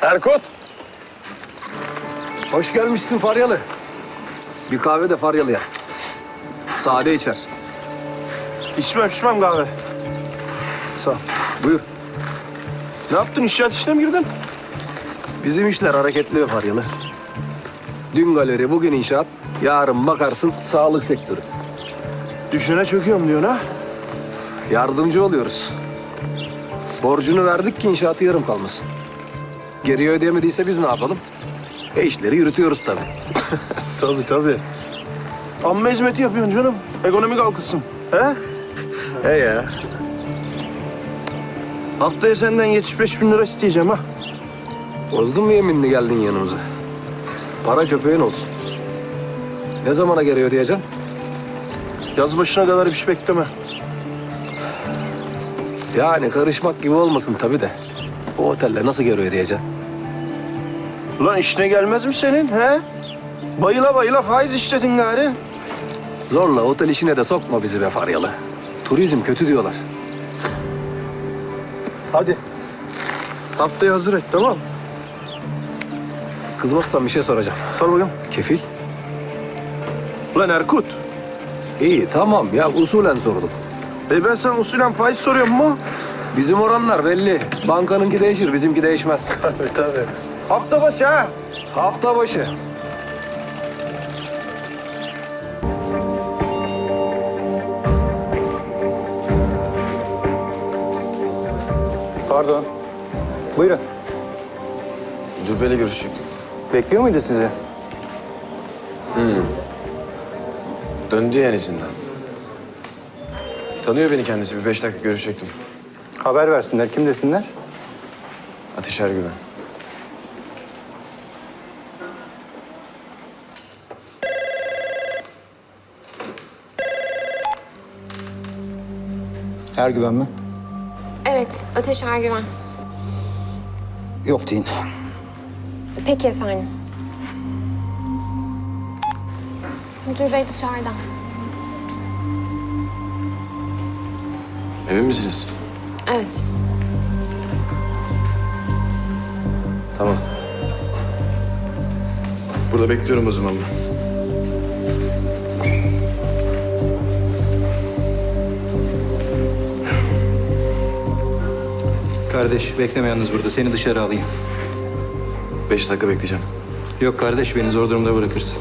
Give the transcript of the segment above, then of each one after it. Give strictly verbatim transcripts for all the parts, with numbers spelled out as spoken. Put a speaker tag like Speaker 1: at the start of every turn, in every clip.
Speaker 1: Erkut.
Speaker 2: Hoş gelmişsin Faryalı. Bir kahve de Faryalı yap. Sade içer.
Speaker 1: İçmem içmem kahve. Sağ ol.
Speaker 2: Buyur.
Speaker 1: Ne yaptın? İnşaat işine mi girdin?
Speaker 2: Bizim işler hareketli be Faryalı. Dün galeri, bugün inşaat. Yarın bakarsın sağlık sektörü.
Speaker 1: Düşene çöküyorum diyorsun ha?
Speaker 2: Yardımcı oluyoruz. Borcunu verdik ki inşaatı yarım kalmasın. Geriye ödeyemediyse biz ne yapalım? E işleri yürütüyoruz tabii.
Speaker 1: Tabii tabii. Amma hizmeti yapıyorsun canım. Ekonomi kalkılsın. He?
Speaker 2: He ya.
Speaker 1: Haftaya senden yetmiş beş bin lira isteyeceğim ha.
Speaker 2: Bozdun mu yeminini geldin yanımıza? Para köpeğin olsun. Ne zamana geri ödeyeceksin?
Speaker 1: Yaz başına kadar bir şey bekleme.
Speaker 2: Yani karışmak gibi olmasın tabii de. O otelle nasıl geri ödeyeceksin?
Speaker 1: Ulan işine gelmez mi senin he? Bayıla bayıla faiz işledin gari.
Speaker 2: Zorla otel işine de sokma bizi be Faryalı. Turizm kötü diyorlar.
Speaker 1: Hadi. Haftaya hazır et tamam mı?
Speaker 2: Kızmazsan bir şey soracağım.
Speaker 1: Sor bakalım.
Speaker 2: Kefil?
Speaker 1: Ulan Erkut.
Speaker 2: İyi tamam ya usulen sordum.
Speaker 1: E ben sana usulen faiz soruyorum mu?
Speaker 2: Bizim oranlar belli. Bankanınki değişir, bizimki değişmez.
Speaker 1: Tabii tabii. Hafta başı ha.
Speaker 2: Hafta başı.
Speaker 3: Pardon. Buyurun.
Speaker 4: Müdür Bey'le görüşecektim.
Speaker 3: Bekliyor muydu sizi?
Speaker 4: Döndü yani izinden. Tanıyor beni kendisi. Bir beş dakika görüşecektim.
Speaker 3: Haber versinler. Kim desinler?
Speaker 4: Ateş Ergüven.
Speaker 5: Ergüven mi?
Speaker 6: Evet, Ateş Ergüven.
Speaker 5: Yok deyin.
Speaker 6: Peki efendim. Müdür bey dışarıda.
Speaker 4: Emin misiniz?
Speaker 6: Evet.
Speaker 4: Tamam. Burada bekliyorum o zaman ben.
Speaker 3: Kardeş bekleme yalnız burada. Seni dışarı alayım.
Speaker 4: Beş dakika bekleyeceğim.
Speaker 3: Yok kardeş beni zor durumda bırakırsın.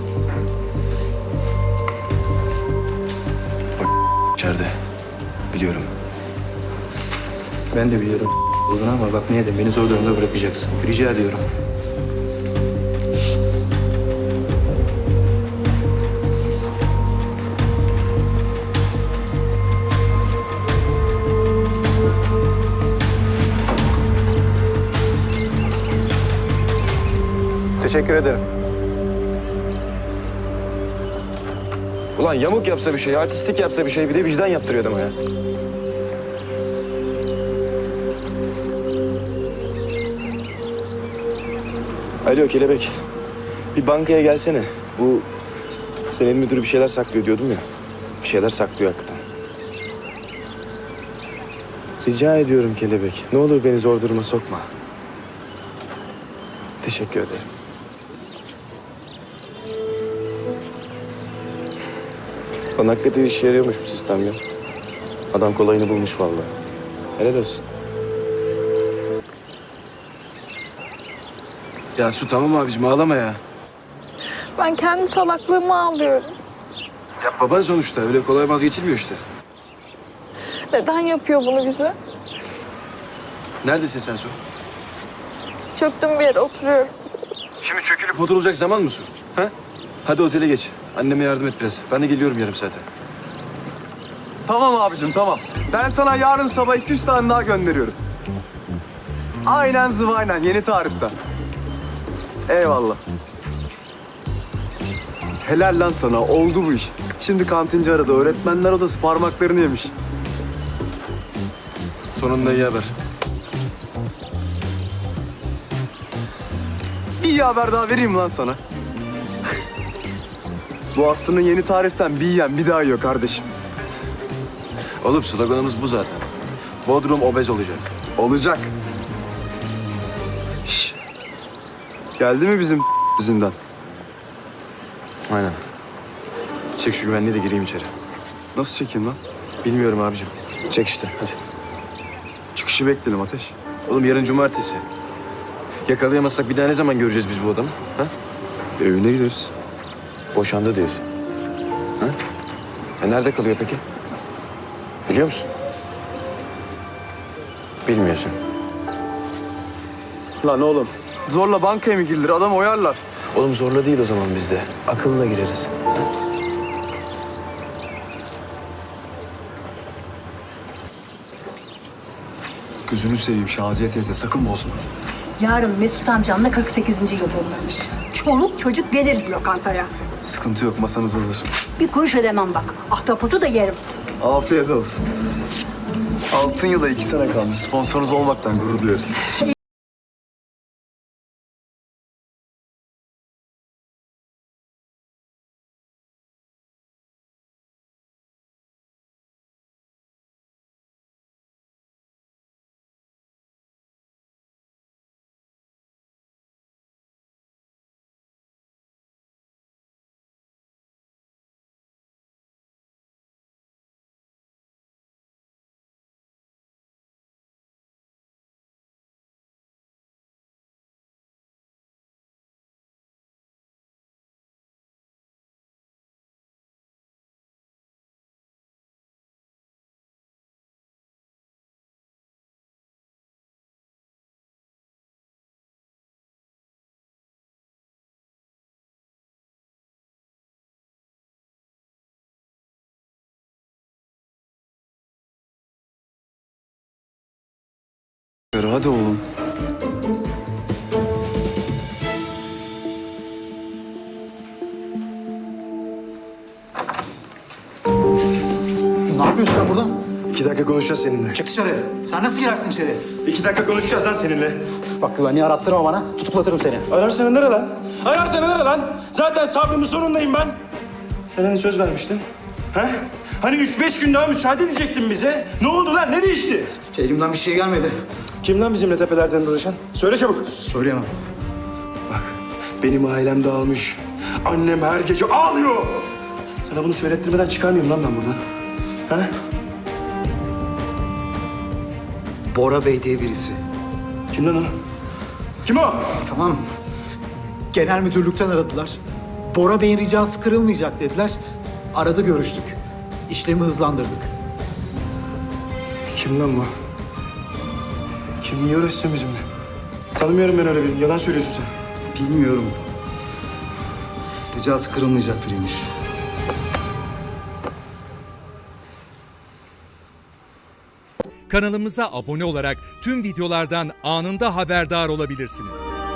Speaker 4: İçeride. Biliyorum.
Speaker 3: Ben de biliyorum olduğunu ama bak niye de beni zor durumda bırakacaksın. Rica ediyorum. Teşekkür ederim.
Speaker 4: Ulan yamuk yapsa bir şey, artistik yapsa bir şey, bir de vicdan yaptırıyor adama ya. Alo Kelebek. Bir bankaya gelsene. Bu senin müdürü bir şeyler saklıyor diyordum ya. Bir şeyler saklıyor hakikaten. Rica ediyorum Kelebek. Ne olur beni zor duruma sokma. Teşekkür ederim. Lan hakikaten işe yarıyormuş bu sistem ya. Adam kolayını bulmuş vallahi. Helal olsun. Ya Su tamam abicim ağlama ya.
Speaker 7: Ben kendi salaklığımı ağlıyorum.
Speaker 4: Ya baban sonuçta öyle kolay vazgeçilmiyor işte.
Speaker 7: Neden yapıyor bunu bize?
Speaker 4: Neredesin sen Su?
Speaker 7: Çöktüm bir yere oturuyorum.
Speaker 4: Şimdi çökülüp oturulacak zaman mı Su? Ha? Hadi otele geç. Anneme yardım et biraz. Ben de geliyorum yarım saate.
Speaker 8: Tamam abicim tamam. Ben sana yarın sabah iki yüz tane daha gönderiyorum. Aynen zıvaynen yeni tariften. Eyvallah. Helal lan sana oldu bu iş. Şimdi kantinci aradı. Öğretmenler odası parmaklarını yemiş.
Speaker 4: Sonunda iyi haber.
Speaker 8: Bir iyi haber daha vereyim lan sana. Bu Aslı'nın yeni tariften bir yiyen bir daha yiyor kardeşim.
Speaker 4: Oğlum sloganımız bu zaten. Bodrum obez olacak.
Speaker 8: Olacak. Şş, Geldi mi bizim zindan?
Speaker 4: Aynen. Çek şu güvenliği de gireyim içeri.
Speaker 8: Nasıl çekeyim lan?
Speaker 4: Bilmiyorum abicim. Çek işte hadi.
Speaker 8: Çıkışı bekleyelim Ateş.
Speaker 4: Oğlum yarın cumartesi. Yakalayamazsak bir daha ne zaman göreceğiz biz bu adamı? Ha?
Speaker 8: Evine gideriz.
Speaker 4: Boşandı diyorsun. Ha? E nerede kalıyor peki? Biliyor musun? Bilmiyorsun.
Speaker 8: Lan oğlum. Zorla bankaya mı girilir? Adam oyarlar.
Speaker 4: Oğlum zorla değil o zaman bizde. Akılla gireriz.
Speaker 8: Gözünü seveyim Şaziye teyze sakın bozma.
Speaker 5: Yarın Mesut amcanla kırk sekizinci yıl dönmüş. Çoluk çocuk geliriz lokantaya.
Speaker 8: Sıkıntı yok masanız hazır.
Speaker 5: Bir kuruş ödemem bak. Ahtapotu da yerim.
Speaker 8: Afiyet olsun. Altın yıla iki sene kalmış. Sponsorunuz olmaktan gurur duyarız. Hadi oğlum.
Speaker 9: Ne yapıyorsun sen burada?
Speaker 4: İki dakika konuşacağız seninle.
Speaker 9: Çık dışarı. Sen nasıl girersin içeri?
Speaker 4: İki dakika konuşacağız lan seninle.
Speaker 9: Bak güvenliği arattırma bana. Tutuklatırım seni.
Speaker 4: Ararsana nere lan? Ararsana nere lan? Zaten sabrımın sonundayım ben. Sen hani söz vermiştin? Ha? Hani üç beş gün daha müsaade edecektin bize. Ne oldu lan? Ne değişti?
Speaker 9: Elimden bir şey gelmedi.
Speaker 4: Kim lan bizimle tepelerden dolaşan? Söyle çabuk.
Speaker 9: Söyleyemem.
Speaker 4: Bak, benim ailem dağılmış. Annem her gece ağlıyor. Sana bunu söylettirmeden çıkarmıyorum lan ben buradan. Ha?
Speaker 9: Bora Bey diye birisi.
Speaker 4: Kim lan o? Kim o?
Speaker 9: Tamam. Genel müdürlükten aradılar. Bora Bey'in ricası kırılmayacak dediler. Aradı görüştük. İşlemi hızlandırdık.
Speaker 4: Kim lan bu? Kim niye uğraşsın bizimle? Tanımıyorum ben öyle birini. Yalan söylüyorsun sen.
Speaker 9: Bilmiyorum. Ricası kırılmayacak biriymiş.
Speaker 10: Kanalımıza abone olarak tüm videolardan anında haberdar olabilirsiniz.